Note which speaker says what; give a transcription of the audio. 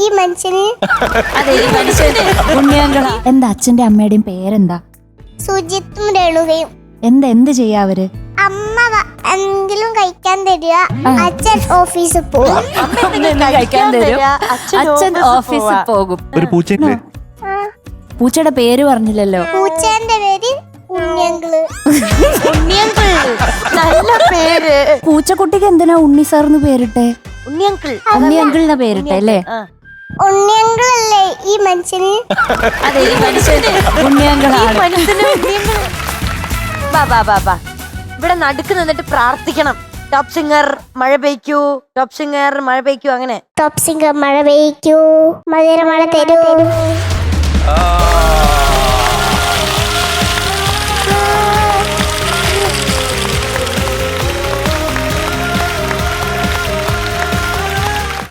Speaker 1: ഈ മനുഷ്യന്
Speaker 2: അതെ ഈ മനുഷ്യന് ഉണ്ണിയങ്കള. എന്താ അച്ഛന്റെ അമ്മയുടെയും പേരെന്താ?
Speaker 1: സുജിത്തും രേണുകയും.
Speaker 2: എന്ത് ചെയ്യാ അവര്?
Speaker 1: അമ്മ എന്തെങ്കിലും കഴിക്കാൻ തരിക, അച്ഛൻ ഓഫീസിൽ പോകും.
Speaker 2: കഴിക്കാൻ തരും, അച്ഛൻ ഓഫീസിൽ പോകും.
Speaker 3: ഒരു പൂച്ചയില്ലേ?
Speaker 2: പൂച്ചയുടെ പേര് പറഞ്ഞില്ലല്ലോ.
Speaker 1: പൂച്ചേന്റെ പേര് ഉണ്ണിയങ്കിള്.
Speaker 4: ഉണ്ണിയങ്കിൾ നല്ല പേര്.
Speaker 2: പൂച്ചക്കുട്ടിക്ക് എന്തിനാ ഉണ്ണി സാർന്ന് പേരിട്ടെ?
Speaker 4: ഉണ്ണിയങ്കിൾ
Speaker 2: ഉണ്ണിയങ്കിളിനെ പേരിട്ടെ അല്ലേ?
Speaker 1: ഉണ്ണിയങ്കിളല്ലേ ഈ മനുഷ്യന്?
Speaker 2: അതെ ഈ മനുഷ്യന് ഉണ്ണിയങ്കളാണ്.
Speaker 4: ബാ ഇവിടെ നടുക്ക് നിന്നിട്ട് പ്രാർത്ഥിക്കണം. ടോപ്പ് സിംഗർ മഴ പെയ്ക്കൂ, ടോപ്പ് സിംഗർ മഴ പെയ്ക്കൂ. അങ്ങനെ
Speaker 1: ടോപ്പ് സിംഗർ മഴ പെയ്ക്കൂ, മധുര മഴ തരൂ.